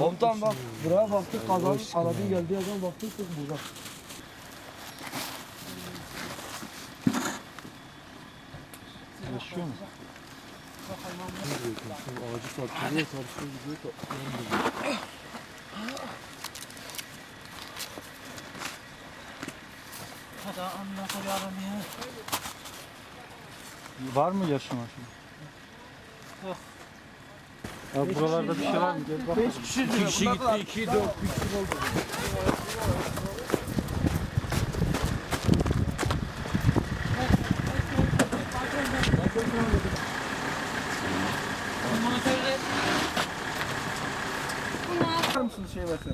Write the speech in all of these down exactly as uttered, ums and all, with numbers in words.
Komutan bak buraya baktık kazanın aradı geldi yazan baktık kız burada. Yaşıyor mu? Ağacı sarkıyor, sarkıyor gidiyor. Hadi anlat yarım ya. Var mı yaşama şimdi? Yok. Ya buralarda bir şey var mı? Gel bak. beş kişi İki kişi gitti, iki dört. bir kişi oldu. Var mısınız şey versen?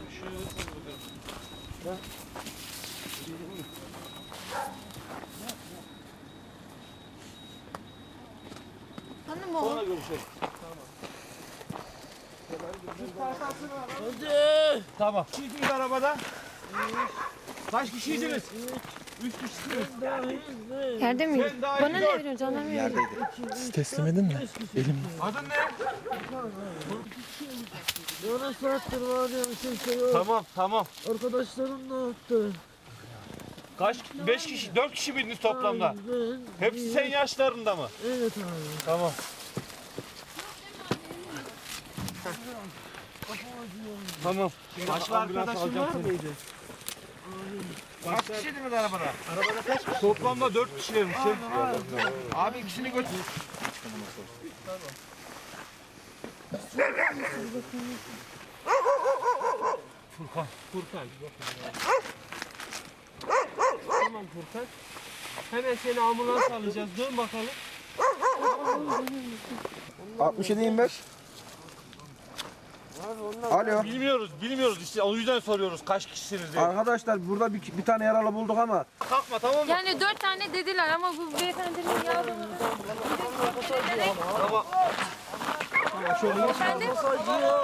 Hanım o. Sonra görüşelim. Hadi. Tamam. Kişiydiniz arabada? Kaç kişiydiniz? Üç kişisiniz. Yerde miyim? Sen daha Bana iyi ne dört. veriyorsun? Canım veriyorsun. Siz teslim edin mi? Elim. Adın ne? Yarım saattir var ya kimse yok. Tamam tamam. Arkadaşlarım ne yaptı? Kaç? Beş kişi, dört kişi miydiniz toplamda? Ben, Hepsi senin yaşlarında mı? evet abi. Tamam. Tamam. Başka arkadaşın var mıydı? Kaç kişiydiniz arabada? Arabada kaç kişi? Toplamda dört kişilermiş. Abi ikisini götür. Furkan. Furkan. Tamam Furkan. Hemen seni ambulans alacağız. Dön bakalım. altmış yedi yirmi beş. Alo. Bilmiyoruz, bilmiyoruz işte o yüzden soruyoruz kaç kişisiniz diye. Arkadaşlar burada bir, bir tane yaralı bulduk ama Kalkma tamam mı? Yani dört tane dediler ama bu beyefendinin yazdığını... Tamam. Efendim?